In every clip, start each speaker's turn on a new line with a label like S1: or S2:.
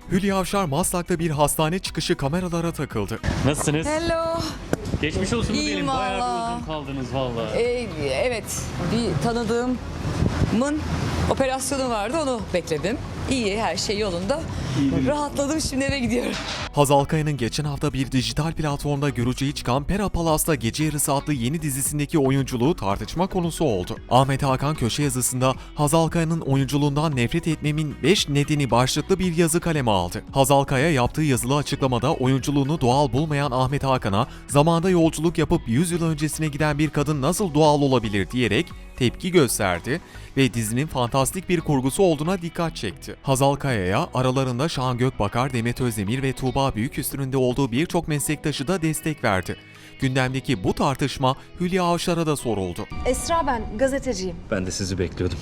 S1: Hülya Avşar Maslak'ta bir hastane çıkışı kameralara takıldı.
S2: Nasılsınız?
S3: Hello.
S2: Geçmiş olsun mu
S3: İyiyim
S2: diyelim. Bayağı
S3: valla.
S2: bir uzun kaldınız valla.
S3: Evet, bir tanıdığımın operasyonu vardı, onu bekledim. İyi, her şey yolunda. Rahatladım, şimdi eve gidiyorum.
S1: Hazal Kaya'nın geçen hafta bir dijital platformda görücüye çıkan Pera Palas'ta Gece Yarısı adlı yeni dizisindeki oyunculuğu tartışma konusu oldu. Ahmet Hakan köşe yazısında Hazal Kaya'nın oyunculuğundan nefret etmemin 5 nedeni başlıklı bir yazı kaleme aldı. Hazal Kaya yaptığı yazılı açıklamada oyunculuğunu doğal bulmayan Ahmet Hakan'a zamanda yolculuk yapıp 100 yıl öncesine giden bir kadın nasıl doğal olabilir diyerek tepki gösterdi ve dizinin fantastik bir kurgusu olduğuna dikkat çekti. Hazal Kaya'ya aralarında Şahan Gökbakar, Demet Özdemir ve Tuğba Büyüküstün'ün de olduğu birçok meslektaşı da destek verdi. Gündemdeki bu tartışma Hülya Avşar'a da soruldu.
S4: Esra ben, gazeteciyim.
S5: Ben de sizi bekliyordum.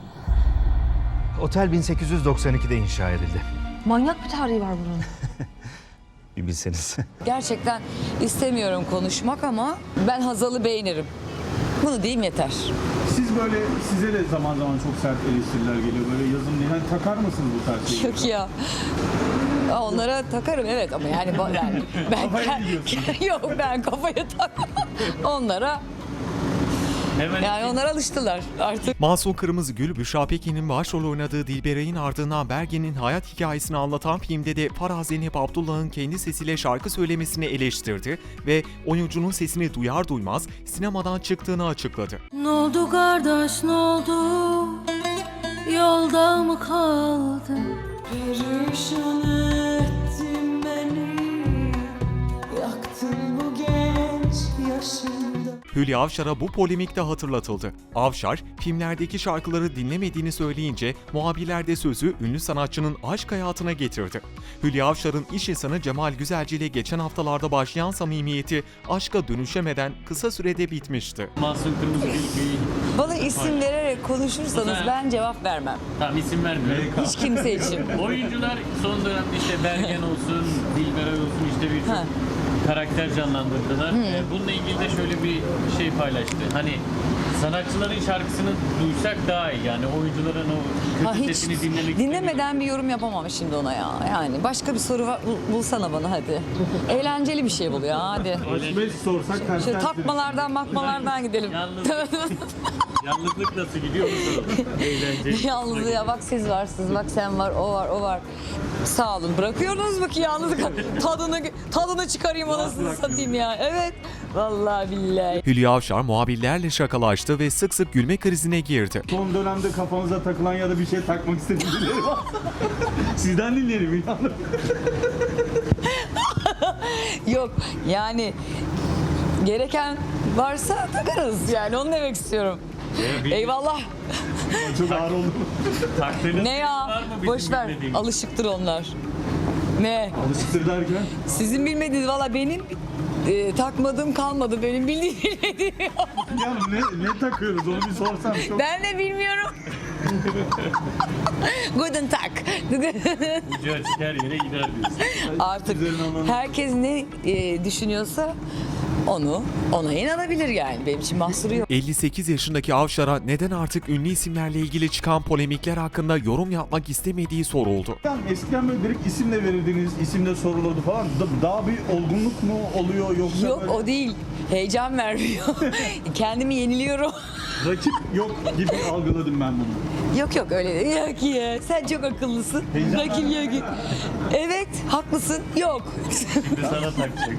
S6: Otel 1892'de inşa edildi.
S4: Manyak bir tarihi var buranın.
S5: Bir bilseniz.
S3: Gerçekten istemiyorum konuşmak ama ben Hazal'ı beğenirim. Bunu diyeyim yeter.
S7: Siz böyle, size de zaman zaman çok sert eleştiriler geliyor. Böyle yazın diye. Yani takar mısınız bu tarz şeyleri?
S3: Yok ya. Onlara takarım evet ama yani ben
S7: Kafaya mı diyorsun?
S3: yok ben kafaya takmam. Onlara
S2: Hemen
S3: yani onlar alıştılar artık.
S1: Masum Kırmızıgül, Büşra Pekin'in başrol oynadığı Dilberay'ın ardından Bergen'in hayat hikayesini anlatan filmde de Farah Zeynep Abdullah'ın kendi sesiyle şarkı söylemesini eleştirdi ve oyuncunun sesini duyar duymaz sinemadan çıktığını açıkladı.
S8: Ne oldu kardeş ne oldu? Yolda mı kaldın? Perişan ettin beni. Yaktın bu genç yaşımda.
S1: Hülya Avşar'a bu polemikte hatırlatıldı. Avşar, filmlerdeki şarkıları dinlemediğini söyleyince muhabirler de sözü ünlü sanatçının aşk hayatına getirdi. Hülya Avşar'ın iş insanı Cemal Güzelci ile geçen haftalarda başlayan samimiyeti aşka dönüşemeden kısa sürede bitmişti.
S2: Masum Kırmızıgül
S3: Bana isim vererek konuşursanız ben cevap vermem.
S2: Tamam isim vermiyorum.
S3: Hiç kimse için.
S2: Oyuncular son dönemde işte Bergen olsun, Dilberay olsun işte birçok
S3: Ha.
S2: karakter canlandırdılar. Bununla ilgili de şöyle bir şey paylaştı. Hani sanatçıların şarkısını duysak daha iyi. Yani oyuncuların o
S3: Ha,
S2: kötü
S3: hiç
S2: sesini dinlemek
S3: dinlemeden bir yorum yapamam şimdi ona ya. Yani başka bir soru bulsana bana hadi. Eğlenceli bir şey bul ya hadi.
S7: Aşk sorsak ters
S3: Şu
S7: ters.
S3: takmalardan makmalardan gidelim.
S2: Yalnızlık nasıl gidiyor mu soralım. Eğlenceli.
S3: Yalnız ya bak siz varsınız, bak sen var, o var, o var. Sağ olun. Bırakıyorsunuz mu ki yalnızlık? Tadını çıkarayım anasını satayım ya. Evet. Vallahi billahi.
S1: Hülya Avşar muhabirlerle şakalaştı ve sık sık gülme krizine girdi.
S7: Son dönemde kafanıza takılan ya da bir şey takmak istediğiniz birileri var. Sizden dinleyelim.
S3: Yok yani gereken varsa takarız yani onu demek istiyorum. Eyvallah.
S7: Çok ağır oldu.
S2: Taktığınız
S3: Ne
S2: var
S3: ya?
S2: mı bizim
S3: Boş ver.
S2: bilmediğimiz?
S3: Alışıktır onlar. Ne?
S7: Alıştır derken.
S3: Sizin bilmediğiniz valla benim takmadığım kalmadı. Benim bilmediğim.
S7: Ya ne takıyoruz onu bir sorsam. Çok...
S3: Ben de bilmiyorum. Guten Tag.
S2: Ucu açık her yere gider diyorsun.
S3: Artık herkes ne düşünüyorsa ona inanabilir yani. Benim için mahsuru yok.
S1: 58 yaşındaki Avşar'a neden artık ünlü isimlerle ilgili çıkan polemikler hakkında yorum yapmak istemediği soruldu.
S7: Eskiden böyle direkt isimle verirdiniz, isimle sorulurdu falan. Daha bir olgunluk mu oluyor yoksa
S3: Yok
S7: böyle
S3: o değil. Heyecan vermiyor. Kendimi yeniliyorum.
S7: rakip yok gibi algıladım ben bunu.
S3: Yok öyle değil. Yok ya. Sen çok akıllısın. Rakip yok. Evet haklısın. Yok.
S2: Şimdi sana takacak.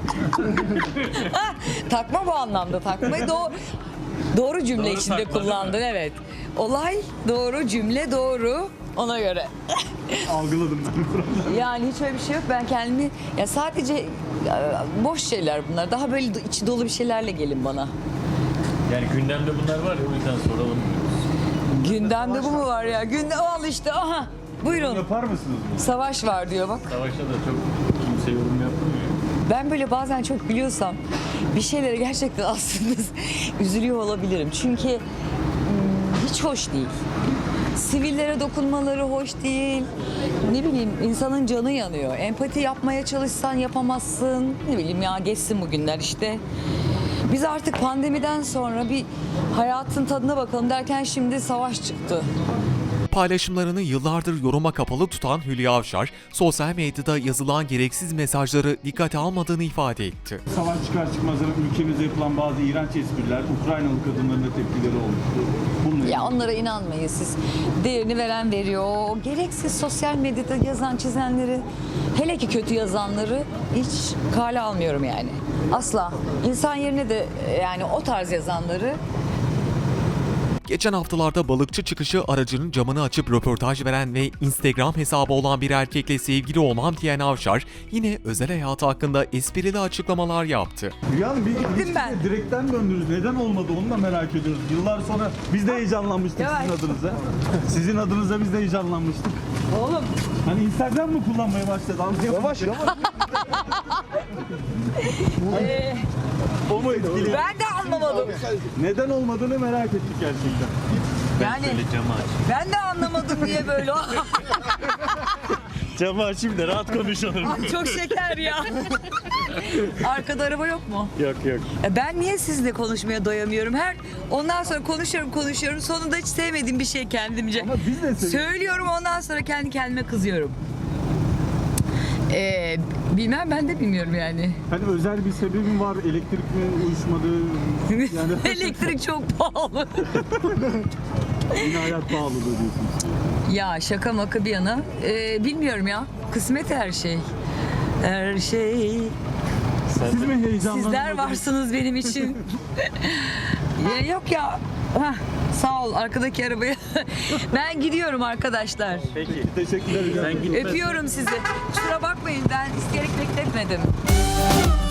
S3: Takma bu anlamda takmayı doğru cümle
S2: Doğru
S3: içinde
S2: takma,
S3: kullandın evet. Olay doğru cümle doğru ona göre.
S7: Algıladım ben.
S3: Yani hiç öyle bir şey yok. Ben kendimi ya sadece boş şeyler bunlar. Daha böyle içi dolu bir şeylerle gelin bana.
S2: Yani gündemde bunlar var ya o yüzden soralım.
S3: Gündemde bu mu var ya? Gündem al işte aha. Buyurun.
S7: Yapar mısınız bunu?
S3: Savaş var diyor bak.
S2: Savaşta da çok kimse yorum yapmıyor.
S3: Ben böyle bazen çok gülüyorsam bir şeylere gerçekten aslında üzülüyor olabilirim. Çünkü hiç hoş değil. Sivillere dokunmaları hoş değil. Ne bileyim insanın canı yanıyor. Empati yapmaya çalışsan yapamazsın. Ne bileyim ya geçsin bu günler işte. Biz artık pandemiden sonra bir hayatın tadına bakalım derken şimdi savaş çıktı.
S1: paylaşımlarını yıllardır yoruma kapalı tutan Hülya Avşar, sosyal medyada yazılan gereksiz mesajları dikkate almadığını ifade etti.
S7: Savaş çıkar çıkmaz ülkemizde yapılan bazı iğrenç espriler Ukraynalı kadınların da tepkileri olmuştu. Bununla
S3: Ya onlara inanmayın siz. Değerini veren veriyor. O gereksiz sosyal medyada yazan çizenleri, hele ki kötü yazanları hiç kale almıyorum yani. Asla. İnsan yerine de yani o tarz yazanları.
S1: Geçen haftalarda balıkçı çıkışı aracının camını açıp röportaj veren ve Instagram hesabı olan bir erkekle sevgili olmam diyen Avşar, yine özel hayatı hakkında esprili açıklamalar yaptı.
S7: Hülya Hanım bir ilişkiye
S3: ben.
S7: direkten döndünüz. Neden olmadı onu da merak ediyoruz. Yıllar sonra biz de heyecanlanmıştık
S3: Yavaş.
S7: sizin adınıza. Sizin adınıza biz de heyecanlanmıştık.
S3: Oğlum.
S7: Hani Instagram mı kullanmaya başladı? Yavaş yavaş. O mu etkili?
S3: Ben de anlamadım.
S7: Neden olmadığını merak ettik gerçekten.
S3: Yani
S2: Camı aç.
S3: ben de anlamadım niye böyle.
S7: Camı açayım da rahat konuşalım.
S3: Ay çok şeker ya. Arkada araba yok mu?
S7: Yok.
S3: Ben niye sizinle konuşmaya doyamıyorum? Ondan sonra konuşuyorum. Sonunda hiç sevmediğim bir şey kendimce.
S7: Ama biz de seviyoruz.
S3: Söylüyorum, ondan sonra kendi kendime kızıyorum. Bilmem, ben de bilmiyorum yani.
S7: Hani özel bir sebebi mi var? Elektrik mi uyuşmadı? Yani
S3: Elektrik çok pahalı.
S7: yine hayat pahalılığı diyorsunuz.
S3: Ya şaka maka bir yana. Bilmiyorum ya. Kısmet her şey. Her şey.
S7: Siz mi heyecanlandınız?
S3: Sizler varsınız benim için. Ya yok ya. Hah, sağ ol arkadaki arabaya. Ben gidiyorum arkadaşlar.
S7: Peki. Teşekkürler.
S2: Sen gitme.
S3: Öpüyorum sizi. Kusura bakmayın, ben isteyerek bekletmedim.